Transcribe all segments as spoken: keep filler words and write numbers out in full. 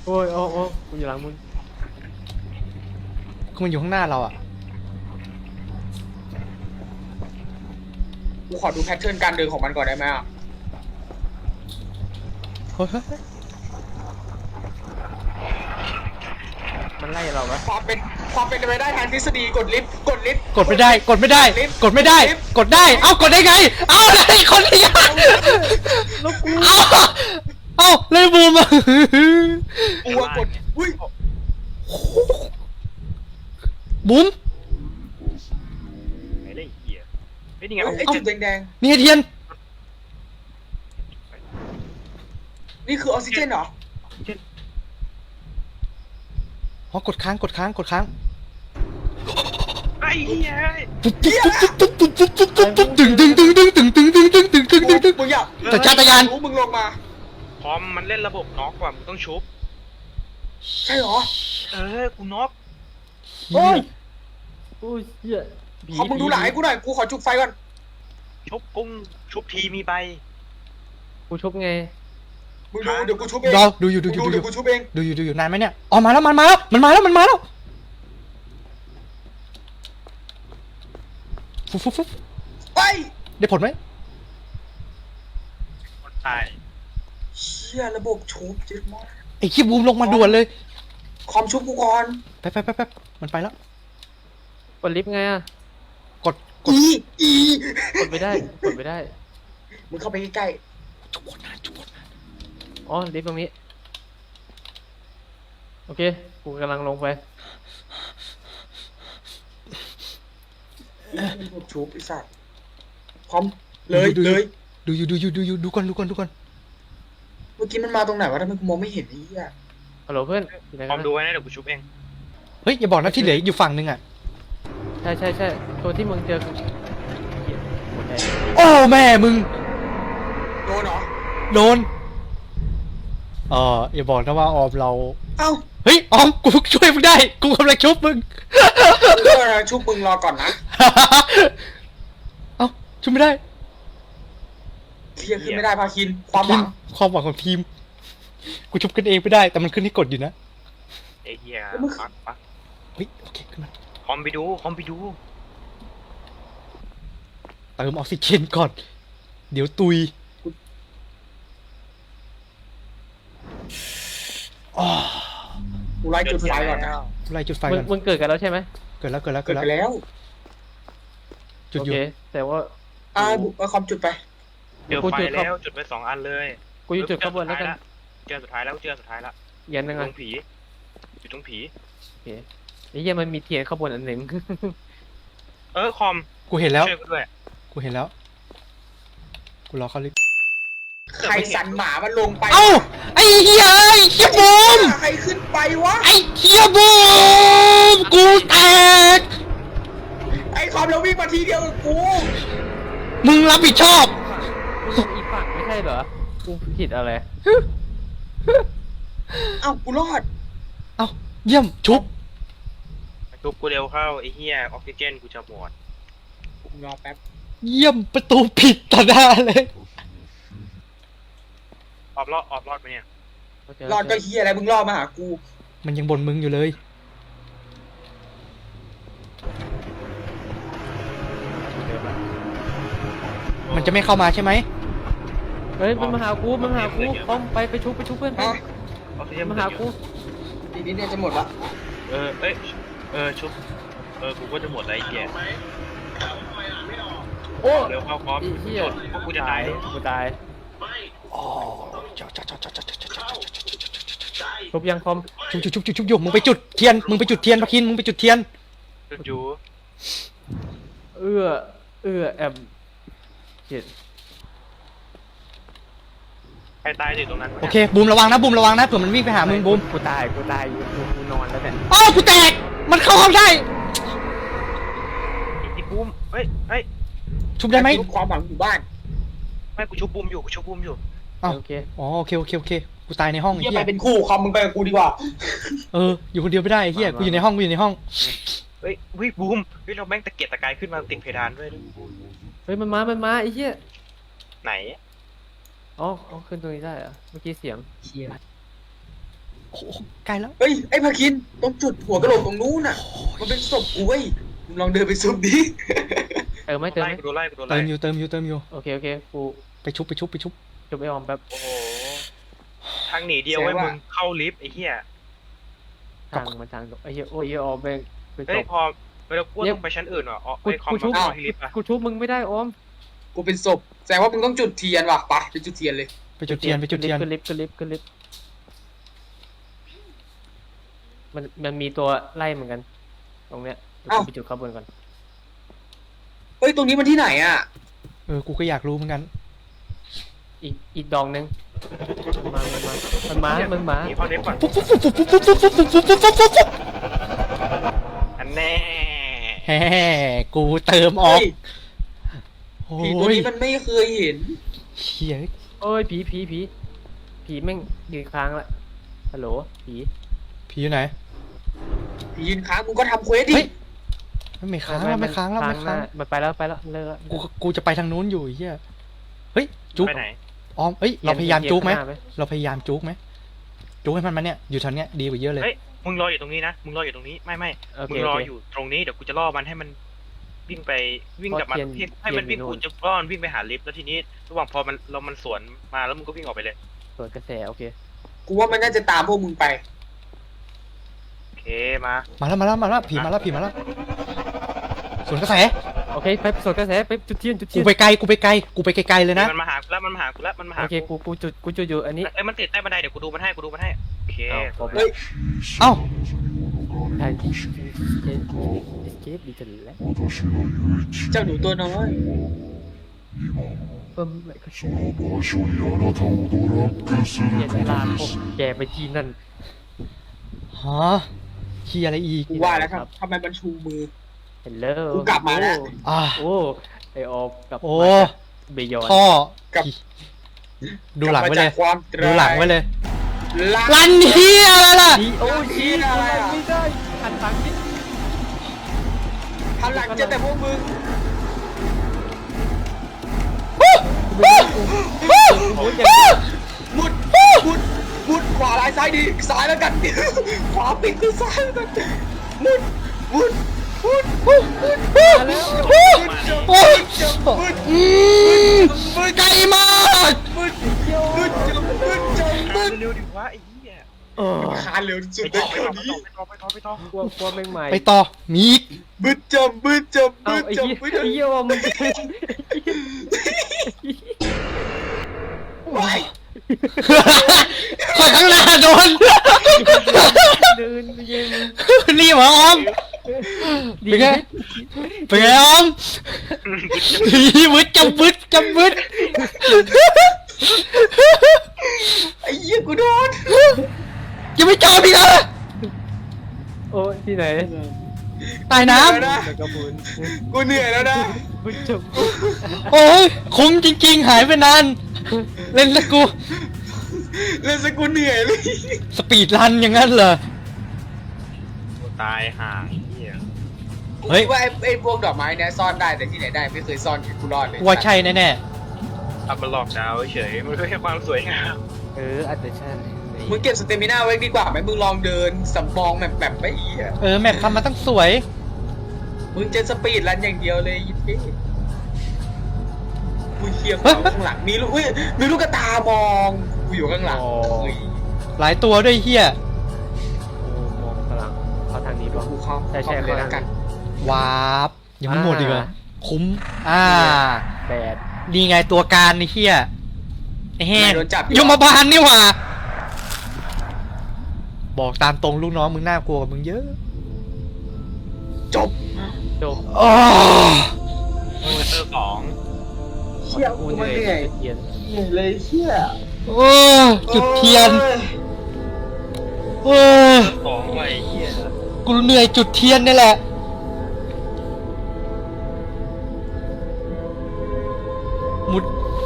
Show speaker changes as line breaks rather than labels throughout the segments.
โอ้ยโอ้โอ้กูอยู่หลังมึง
คือมันอยู่ข้างหน้าเราอ่ะ
กูขอดูแพทเทิร์นการเดินของมันก่อนได้ไหมอ่ะ
เฮ้ยเฮ้ย
มันไล่เราปะ
ความเป็นความเป็นไปได้ทางทฤษฎีกดลิฟต์กดลิฟต์
กดไม่ได้ กดไม่ได้
ลิฟต์
กดไม่ได้
ลิฟต์
กดได้ เอ้ากดได้ไง เอ้าอะไรคนนี้อ่ะ
แล้วกู
เอ้าเอ้าเลยบูมอ่ะ
กูว่ากดอุ้ย
บูม
ไหนเลยไอ้เหี้ยเฮ้ยนี่ไง
ไอ้
เอา
จุดแดง
นี่ไงเทียน
ๆนี่คือออกซิเจนเหรอ
อ๋อกดค้าง กดค้าง กดค้าง
ไอ้เหี้ย
ตึ๊บตึ๊บตึ๊บตึ๊บตึ๊บตึ๊บตึ๊บตึ๊บตึ๊บตึ๊งตึ๊งตึ๊งตึ๊งตึ๊งตึ๊งตึ๊งตึ๊งตึ๊งตึ๊งตึ๊งตึ๊ง
มึงอยาก
สัญชาตญาณ
รู้มึงลงมา
พร้อมมันเล่นระบบน็อกว่ะมึงต้องชุบ
ใช่เหรอ
เออกูน็อก
โอ้ยโอ้ยเหี้ยผี
ขอมึงดูหลังให้กูหน่อยกูขอจุกไฟก่อน
ชุบกุ้งชุบทีมีไป
กูชุบไง
มึงดูเดี๋ยวกูชุบเอง
รอดูอยู่ดูอยู่
มึง
ดูอ
เดี๋ย
ยู่
วกูชุบเอง
ดูอยู่ดูอยู่นานไหมเนี่ยอ๋อมาแล้วมันมาแล้วมันมาแล้วมันมาแล้วฟุ๊บฟุ๊บฟุ๊บ
ไป
ได้ผลไหม
คนตาย
เชี่ยระบบชุบจิ๊ดมาก
ไอ้ขี้บูมลงมาด่วนเลย
คอมชุบกูก่อน
แป๊บแป๊บแป๊บแป๊บมันไปแล้ว
กดลิฟต์ไงอะ
กดกด
อีอี
กดไม่ได้กดไม่ได้
มึงเข้าไปใกล้
จุกกดนานจุกกดนาน
อ๋อลิฟต์ตรงนี้โอเคกูกำลังลงไป
ๆระบบชุบไอ้สัสพร้อมเลยเลย
ดูอยู่ดูอยู่ดูอยู่ดูก่อนดูก่อนดูก่อน
เมื่อกี้มันมาตรงไหนวะทำไมกูมองไม่เห็นไอ้เหี้ย
ฮัลโหลเพื่อนอยู่ไหน
พร้
กั
อน ม
นะ
ดูไว้นะเดี๋ยวกูชุบเอง
เฮ้ยอย่าบอกนะที่เหลืออยู่ฝั่งนึงอ่ะ
ใช่ใช่ใช่ตัวที่มึงเจอคือเหี้ยหมดแดง
โอ้แม่มึง
โดนเหรอ
โดนเอออย่าบอกนะว่าออมเรา
เอ้า
เฮ้ยออมกูช่วยมึงได้กูกำลังชุบมึง
เพื่อนชุบมึงรอก่อนนะ
เอ้าชุบไม่ได้
เคลียร์ขึ้นไม่ได้พาคินความหวัง
ความหวังของทีมกูชุบกันเองไม่ได้แต่มันขึ้นให้กดอยู่นะ
ไอ้เหี้ยปักปัก
เฮ้ยโอเคขึ้นมา
คอมไปดูคอมไปดู
เติมออกซิเจนก่อน เดี๋ยวตุยอ๋อ
กูไล่จุดไฟก่อนนะ
ไล่จุดไฟ
มึ
ก่
ง
อน
มึงเกิดกันแล้วใช่ไหม
เกิดแล้วเกิดแล้ว
เกิ
เกิ
ด
ด
ไป
แล้ว
แล้ว
จุด
โอ
อยู่
เคแต่ว่า
อ่าบุกเอาคอมจุดไป
เจอ
กู
ไฟ
จุดครับ
แล้วจุดไปสองอันเลย
กูอยู่จุดข้างบนแล้วกัน
เจอสุดท้ายแล้วเจอสุดท้ายแล้ว
เย็นยัง
ต
ไง
รงผีอยู่ตรงผี
โอเคไอ้เหี้ยมันมีเทียนข้างบนอันหนึ่ง
เออคอม
กูเห็นแล้ว
ช่วยกูด้วย
กูเห็นแล้วกูรอเขาลิฟต์
ใครสันหมามันลงไป
เอ้าไอ้เหี้ยไอ้เหี้ยบูม
ใครขึ้นไปวะ
ไอ้เหี้ยบูมกูแตก
ไอ้คอมเราวิ่งมาทีเดียวกับกู
มึงรับผิดชอบ
มึงอีกฝั่งไม่ใช่เหรอกูผิดอะไร
เอ้ากูรอด
เอ้าเยี่ยมชุบ
ชุบกูเร็วเข้าไอ้เหี้ยออกซิเจนกูจะหมด
กูรอแป๊บ
เยี่ยมประตูผิดต่อหน้าเลย
ออบรอดออบรอดไปเนี่ย
รอดก็เฮียอะไรมึงรอดมาหากู
มันยังบ่นมึงอยู่เลย มันจะไม่เข้ามาใช่ไหม
เฮ้ยมันมาหากูมันมาหากูพร้อมไปไปชุบไปชุบเพื่อนไป
อ่ะ
ออกซิเจน
มาหากู
ทีนี้เนี่ยจะหมดละ
เออเอ้ยเออชุบเออกูก็จะหมดแล้วไอ้เหี้ย
โอ้
เร็วเข้าพร้อม
ไอ้เหี้ย
พวกกูจะตาย
กูตาย
อ๋อจ้าจ้าจ้าจ้าจ้าจ้าจ้าจ้าจ้าจ้า
ชุบยังพร้อม
ชุบชุบชุบชุบชุบอยู่มึงไปจุดเทียน มึงไปจุดเทียนพะคิน มึงไปจุดเทียน
จุดจู
เอื้อเอื้อแอมเจ็ด
ใครตายอยู่ตรงนั้น
โอเค บูมระวังนะ บูมระวังนะ เผื่อมันวิ่งไปหามึงบูม
กูตายกูตายอยู่กูกูนอนแล้วเนี่ย
อ้าวกูแตก มันเข้าห้องได้
ไอ้บูมเฮ้ยเฮ้ย
ชุบได้ไหม
ทุกความหวังอยู่บ้าน
ไม่กูชุบบูมอยู่กูชุบบูมอยู่
อ้าว
โอเค
อ๋อโอเคโอเคโอเค กูตายในห้องไอ้
เฮีย
เหี้
ไป
ย
เป็นคู่คอมมึงไปกับกูดีกว่า
เออ อยู่คนเดียวไม่ได้ไอ้เหี้ย กูอยู่ในห้อง กูอยู่ในห้อง
เฮ้ยเฮ้ยบูมเฮ้ยเราแม่งตะเกียกตะกายขึ้นมาติดเพดานด้วย
เฮ้ยมันมามันมาไอ้เหี้ย
ไหน
อ๋ออ๋อขึ้นตรงนี้ได้เหรอะเมื่อกี้เสียง
เฮีย
โอ้โหใกล้แล้ว
เฮ้ยไอ้พาคินต้องจุดหัวกระโหลกตรงนู้นน่ะมันเป็นศพกูเว้ยมึงลองเดินไปซุบดิ
เติมไหมเติม
ไล่
ไหม
กูดูไล่กูดู
เติ
ไล่
มอยู่เติมอยู่เติมอยู่
โอเคโอเคกู
ไปชุบไปชุบไปชุบ
จบไอออมแป๊บ
โอ้โหทางหนีเดียวไว้มึงเข้าลิฟต์ไอ้เหี้ย
ทางมันทางไอ้เหี้ยโอ้ยไอ้ออมแม่งไปจ
เฮ้ย
บ
พอเวลากูต้องไปชั้นอื่นว่ะอ๋อ
กู
ไอ้คอม
กูชุบ
เข้าที่ลิฟต์อ่ะ
กูชุบมึงไม่ได้ออม
กูเป็นศพแสดงว่ามึงต้องจุดเทียนว่ะไปไปจุดเทียนเลย
ไปจุดเทียนไปจุดเทียน
ขึ้นลิฟต์ขึ้นลิฟต์ขึ้นลิฟต์มันมันมีตัวไล่เหมือนกัน ตรงเนี้ยเดี๋ยวกูไปจุดข้างบนก่อน
เฮ้ยตรงนี้มันที่ไหนอ่ะ
เออกูก็อยากรู้เหมือนกัน
อีกอีกดองนึงมันมามันมามันมา
หนีเข้าลิฟต์ก่อน
ปุ๊บปุ๊บปุ๊บปุ๊บปุ๊บปุ๊บปุ๊บปุ๊บปุ๊บปุ๊บปุ๊บปุ๊บปุ๊บ
อันแน่
แฮ่กูเติมออก
เฮ้ย
โอ้
ผีตัวย นี้มันไม่เคยเห็น
เชี่ย
โอ้ยผีผีผีผีแม่งยืนค้างละฮัลโหลผี
ผีอยู่ไหน
ผียืนค้างมึงก็ทำเควสดิ
เฮ้ย ไม่ค้างแล้วไม่ค้างแล้วไม่
หน้
ค้าง
มันไปแล้วไปแล้วเลิกแล้ว
กูกูจะไปทางนู้นอยู่ไอ้เฮียเฮ้ยจุ๊ก
ไปไหน
ออมเอ้ยเราพยายามจุ๊กไหม
เกียร์ข้างน้า
เราพยายามจุ๊กไหมจุ๊กให้มันมาเนี่ยอยู่แถวเนี้ยดีกว่าเยอะเลย
เฮ้ยมึงรออยู่ตรงนี้นะมึงรออยู่ตรงนี้ไม่ไม่
โอเค
มึงรอ
โอเค
อยู่ตรงนี้เดี๋ยวกูจะล่อมันให้มันวิ่งไปวิ่งกลับมา
เพราะเทียน
ให้มันวิ่ง
เทียนอยู่
กู
นู่น
จะล่อมันวิ่งไปหาลิฟต์แล้วทีนี้ระหว่างพอมันเรามันสวนมาแล้วมึงก็วิ่งออกไปเลย
เปิดกระแสโอเค
กูว่ามันน่าจะตามพวกมึงไป
โอเคมา
มาแล้วมาแล้วมาแล้วผีมาแล้วผีมาแล้วสวนกระแส
โอเคไปสดกระแสไปจุดเทียนจุดเที
กู
ยน
ไปไกลกูไปไกลกูไปไกลๆเลยนะ
มันมาหากูแล้วมันมาหากูแล้วมันมาหา
โอเคกูกูจุดกูจุดอยู่อันนี้
เอ้ยมันติดใต้บันไดเดี๋ยวกูดูมันให้กูดูมันให้โอเค
เอาครบ
เฮ้ย
เอ้า
ทางที่เอสเคปดีจังแล้ว
เจ้าหนูตัวน้อย
เพิ่มไม่ก็
その場所にあなたをドラッグす
เปลี่
る
ยน
こ
เว
と
ลา
で
พวก
す。
แกไปที่นั่น
ฮะเฮียอะไรอีก
กูว่าแล้วครับทำไมมันชูมือ
เฮลโล
กูกลับมาแล้ว
อ่า
โอ้ไอออฟกับ
โอ้
เบยอน
ท่อ
กับ
ดูหลังไว้เลย
กบมาจากความ
ดูหลังไว้เลย
ลัน
ลันเฮียอะไรล่ะ
โอ้ย
เหี้
ชี้
ยอะไรอะ
ไม่ได้หันหลังนิด
หันหลังเจอแต่พวกมึง
โอ้ยอย่างนี้
มุดมุดมุดขวาลายซ้ายดีซ้ายแล้วกัน ขวาปิดคือซ้ายแล้วกันมุดมุดมุดมุดมุด
มาแล้ว
โอ้ย
มุดมุด
อืมไกลมาก
มุดมุดจมมุดจมมุด
เร็วๆดิวะไอ้เหี้ย
เออ
คานเร็วสุด
ไป
ใน
ต่อ
แถวนี้
ไปต่อไปต่อไปต่อไป
กลัวกลัวแม่งใหม่
ไปต่อมีอีก
มุดจมมุดจม
เอา
มุด
ไอ้
จม
เหี้ย
มุดจ
ไอ้
ม
เหี้ยว่ามัน
ว้าย
ข่อยข้างหน้าโดน
เดินไปเย็น
รีบเหรอออม
ดี
เป็นไง เป็นไงออมบึดจำบึดจำบึด
ไอ้เหี้ยกูโดน
ยังไม่จบอีกเหรอ
โอ้ยที่ไหน
ใตายน้
เหนื่อยแล้วนะ
กระบุน
กูเหนื่อยแล้วนะ
บุญจบ
ำโอ้ยคุ้มจริงๆ หายไปนาน เล่นแล้วกู
เล่นสกุลเหนื่อยเลย
สปีดรันอย่างนั้นเหรอ
กูตายห่างเหี้ย
เฮ้ย
กูว่าไอ้ไอ้พวกดอกไม้เนี่ยซ่อนได้แต่ที่ไหนได้ไม่เคยซ่อนกูรอดเลย
ว่าใช่แน่
ทำมันหลอกดาวเฉยมันไม่ใช่ความสวยงาม
เอออาจจะใช่
มึงเก็บสเตมิน่าไว้ดีกว่าไหมมึงลองเดินสำรองแบบแบบไม่อีอ่ะ
ๆ เออ แมปทำมาตั้งสวย
มึงจะสปีดรันอย่างเดียวเลยยิปปี้กูเชียร์เขาข้างหลังมีลูกอุ้ยมีลูกกระตามองกูอยู่ข้างหลังเฮ้ย
หลายตัวด้วยเฮีย
โอ้มองกำลังเข้าทางนี้ป่ะ
กูเข้า
ใช่ใช่
เข้าไปเลยแล้วกัน
วาร์ปยังไม่หมดอีกเหรอ
อ่า
คุ้ม อ่า
แปด
นี่ไงตัวการนี่เฮียไอ้แห้ง
ไม่โดนจับ
ยมบาลนี่หว่า บอกตามตรงลูกน้องมึงน่ากลัวกว่ามึงเยอะ
จบ
จบ
อ๋อ
เตอร์สอง
เชี่ยกูมันเหนื่อย
เทียน
เหนื่อยเลยเชี่ย
โอ้จุดเทียน
โอ้ย
โอ้
สองไว้เหี้ย
กูเหนื่อยจุดเทียนนี่แหละ มุด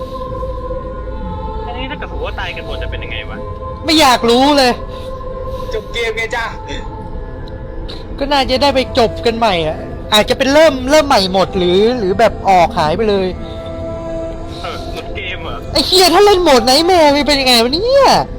อันนี้ถ้าเกิดสมมติว่าตายกันหมดจะเป็นยังไงวะ
ไม่อยากรู้เลย
จบเกมไงจ้า
ก็น่าจะได้ไปจบกันใหม่อ่ะ อาจจะเป็นเริ่มเริ่มใหม่หมดหรือ หรือแบบออกหายไปเลย
เออหลุดเกมเหรอ
ไอ้เฮียถ้าเล่นโหมดไหนแม่งเป็นยังไงวะเนี่ย